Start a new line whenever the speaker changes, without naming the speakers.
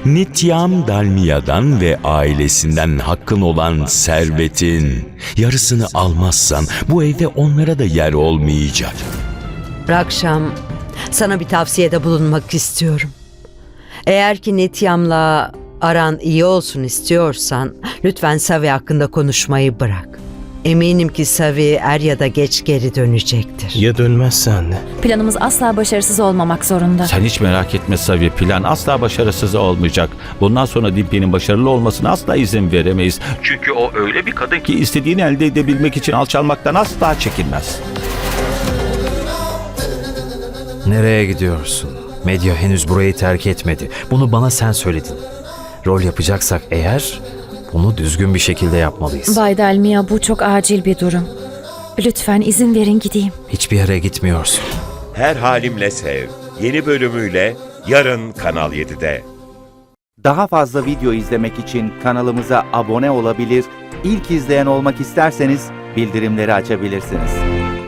Nityam Dalmiya'dan ve ailesinden hakkın olan servetin yarısını almazsan bu evde onlara da yer olmayacak.
Rakşam, sana bir tavsiyede bulunmak istiyorum. Eğer ki Nityam'la aran iyi olsun istiyorsan lütfen Savi hakkında konuşmayı bırak. Eminim ki Savi er ya da geç geri dönecektir.
Ya dönmezse anne?
Planımız asla başarısız olmamak zorunda.
Sen hiç merak etme Savi, plan asla başarısız olmayacak. Bundan sonra Dimpi'nin başarılı olmasına asla izin veremeyiz. Çünkü o öyle bir kadın ki istediğini elde edebilmek için alçalmaktan asla çekinmez.
Nereye gidiyorsun? Medya henüz burayı terk etmedi. Bunu bana sen söyledin. Rol yapacaksak eğer bunu düzgün bir şekilde yapmalıyız.
Bay Dalmia, bu çok acil bir durum. Lütfen izin verin gideyim.
Hiçbir yere gitmiyorsun.
Her Halimle Sev yeni bölümüyle yarın Kanal 7'de.
Daha fazla video izlemek için kanalımıza abone olabilir, ilk izleyen olmak isterseniz bildirimleri açabilirsiniz.